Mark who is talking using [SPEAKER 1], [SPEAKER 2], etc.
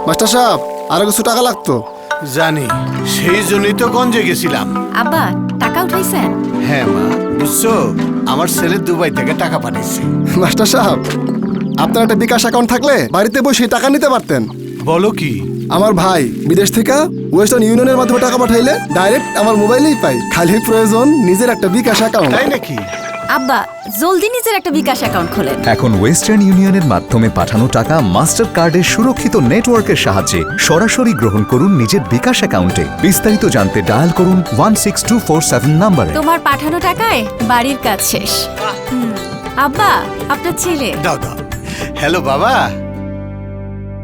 [SPEAKER 1] Master সাহেব আরো কিছু টাকা লাগতো।
[SPEAKER 2] জানি, সেই জন্যই তো গঞ্জে গেছিলাম।
[SPEAKER 3] আব্বা টাকা উঠাইছেন?
[SPEAKER 2] হ্যাঁ মা, বুঝছো, আমার ছেলে দুবাই থেকে টাকা পাঠিয়েছে।
[SPEAKER 1] মাস্টার সাহেব, আপনার একটা বিকাশ অ্যাকাউন্ট থাকলে বাড়িতে বসে টাকা নিতে পারতেন।
[SPEAKER 2] বলো কি?
[SPEAKER 1] আমার ভাই বিদেশ থেকে ওয়েস্টার্ন ইউনিয়নের মাধ্যমে টাকা পাঠাইলে ডাইরেক্ট আমার মোবাইলেই পাই। খালি প্রয়োজন নিজের একটা বিকাশ অ্যাকাউন্ট।
[SPEAKER 2] তাই নাকি?
[SPEAKER 3] আব্বা জলদি নিজের একটা বিকাশ অ্যাকাউন্ট খোলেন।
[SPEAKER 4] এখন ওয়েস্টার্ন ইউনিয়নের মাধ্যমে পাঠানো টাকা মাস্টার কার্ডের সুরক্ষিত নেটওয়ার্কের সাহায্যে সরাসরি গ্রহণ করুন নিজের বিকাশ অ্যাকাউন্টে। বিস্তারিত জানতে ডায়াল করুন 16247 নম্বরে।
[SPEAKER 3] তোমার পাঠানো টাকায় বাড়ির কাজ শেষ। আব্বা আপনার ছেলে।
[SPEAKER 2] দাও দাও। হ্যালো বাবা।